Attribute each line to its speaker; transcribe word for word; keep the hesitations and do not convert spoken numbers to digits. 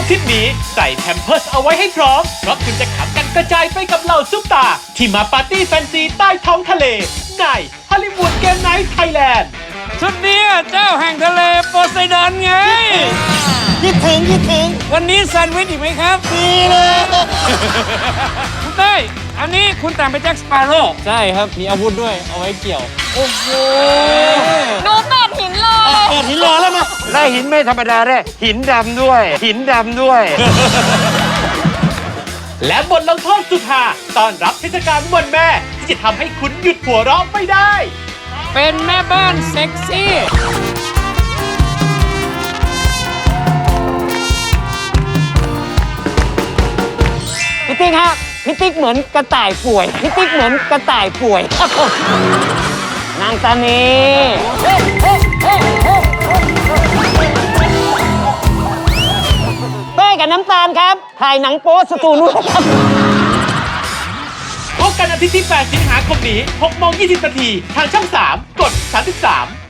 Speaker 1: ทริปนี้ใส่แพมเพิร์สเอาไว้ให้พร้อมเพราะคุณจะขำกันกระจายไปกับเหล่าซุปตาที่มาปาร์ตี้แฟนซีใต้ท้องทะเลในฮอลลีวูดเกมไนท์ไทยแลนด์
Speaker 2: ชุดนี้เจ้าแห่งทะเลโพไซดอนไง
Speaker 3: คิดถึงคิดถึง
Speaker 2: วันนี้แซนด์วิชอีกไหมครับ
Speaker 3: ดีเลย
Speaker 2: คุณเต้ยอันนี้คุณแต่งเป็นแจ็คสเปาโร่
Speaker 4: ใช่ครับมีอาวุธด้วยเอาไว้เกี่ยว
Speaker 2: โอ้โห
Speaker 5: ดูเปิดหินเลย
Speaker 3: เปิดหินรอแล้วมา
Speaker 6: ได้หินไม่ธรรมดาได้หินดำด้วย หินดำด้วย
Speaker 1: และบทลงโทษสุดฮาต้อนรับเทศกาลวันแม่ที่จะทำให้คุณหยุดหัวเราะไม่ได้
Speaker 2: เป็นแม่บ้านเซ็กซี่
Speaker 3: พี่ติ๊กฮะพี่ติ๊กเหมือนกระต่ายป่วยพี่ติ๊กเหมือนกระต่ายป่วยนางตานีเต้ยกับน้ำตาลครับถ่ายหนังโป๊สตูนด้วยครับ
Speaker 1: พบกันอาทิตย์ที่แปดสิงหาคมนี้หกโมงยี่สิบนาทีทางช่องสามกดสามสิบสาม